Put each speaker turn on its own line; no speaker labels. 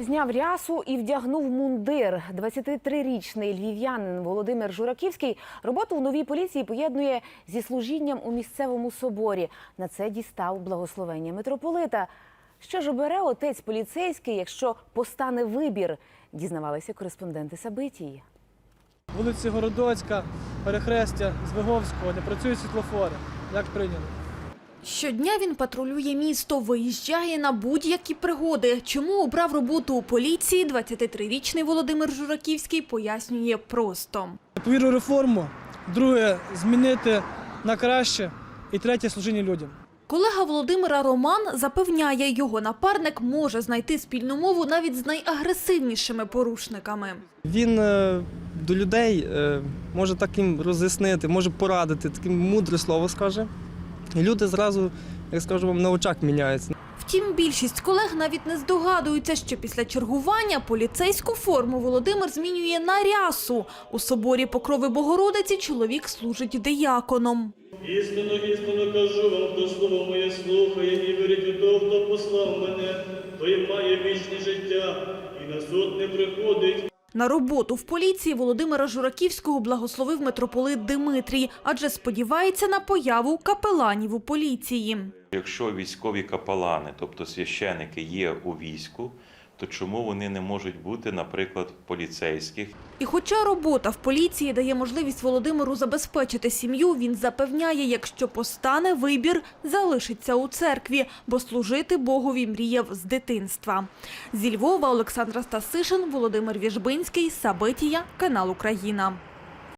Зняв рясу і вдягнув мундир. 23-річний львів'янин Володимир Жураківський роботу в новій поліції поєднує зі служінням у місцевому соборі. На це дістав благословення митрополита. Що ж обере отець поліцейський, якщо постане вибір? Дізнавалися кореспонденти Сабитії.
Вулиці Городоцька, перехрестя Звиговського, не працюють світлофори. Як прийняли?
Щодня він патрулює місто, виїжджає на будь-які пригоди. Чому обрав роботу у поліції, 23-річний Володимир Жураківський пояснює просто.
Повірю в реформу, друге – змінити на краще і третє – служіння людям.
Колега Володимира Роман запевняє, його напарник може знайти спільну мову навіть з найагресивнішими порушниками.
Він до людей може так їм роз'яснити, може порадити, таке мудре слово скаже. І люди зразу, як скажу вам, на очах міняються.
Втім, більшість колег навіть не здогадуються, що після чергування поліцейську форму Володимир змінює на рясу. У соборі Покрови Богородиці чоловік служить дияконом.
Істинно, істинно кажу вам, хто слово моє слухає і вірить у того, хто послав мене, той має вічне життя і на суд не приходить.
На роботу в поліції Володимира Жураківського благословив митрополит Димитрій, адже сподівається на появу капеланів у поліції.
Якщо військові капелани, тобто священики, є у війську, то чому вони не можуть бути, наприклад, поліцейських?
І хоча робота в поліції дає можливість Володимиру забезпечити сім'ю, він запевняє, якщо постане вибір, залишиться у церкві, бо служити Богові мріяв з дитинства. Зі Львова Олександра Стасишин, Володимир Віжбинський, Сабитія, канал Україна.